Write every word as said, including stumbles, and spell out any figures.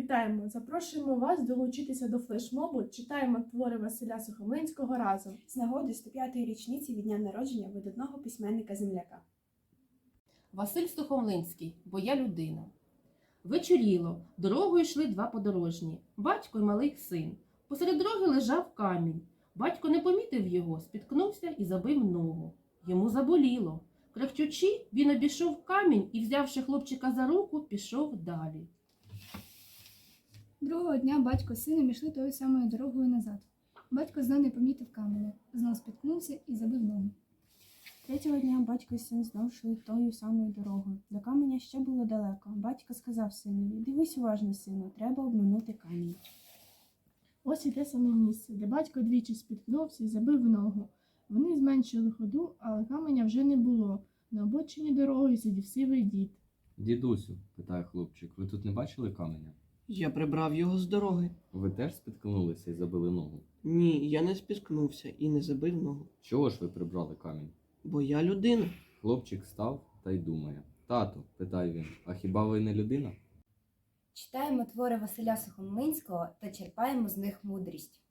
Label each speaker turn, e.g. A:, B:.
A: Вітаємо! Запрошуємо вас долучитися до флешмобу «Читаємо твори Василя Сухомлинського разом»
B: з нагоди сто п'ятої річниці від дня народження видатного письменника-земляка.
C: Василь Сухомлинський, бо я людина. Вечоріло, дорогою йшли два подорожні, батько й малий син. Посеред дороги лежав камінь. Батько не помітив його, спіткнувся і забив ногу. Йому заболіло. Крехтючи, він обійшов камінь і, взявши хлопчика за руку, пішов далі.
D: Другого дня батько з сином йшли тою самою дорогою назад. Батько знов не помітив каменя, знов спіткнувся і забив ногу.
B: Третього дня батько і син знов йшли тою самою дорогою. До каменя ще було далеко. Батько сказав синові: «Дивись уважно, сину, треба обминути камінь».
A: Ось і те саме місце, де батько двічі спіткнувся і забив ногу. Вони зменшили ходу, але каменя вже не було. На обочині дороги сидів сивий дід.
E: Дідусю, питає хлопчик, ви тут не бачили каменя?
F: Я прибрав його з дороги.
E: Ви теж спіткнулися і забили ногу?
F: Ні, я не спіткнувся і не забив ногу.
E: Чого ж ви прибрали камінь?
F: Бо я людина.
E: Хлопчик став та й думає. Тату, питає він, а хіба ви не людина?
G: Читаємо твори Василя Сухомлинського та черпаємо з них мудрість.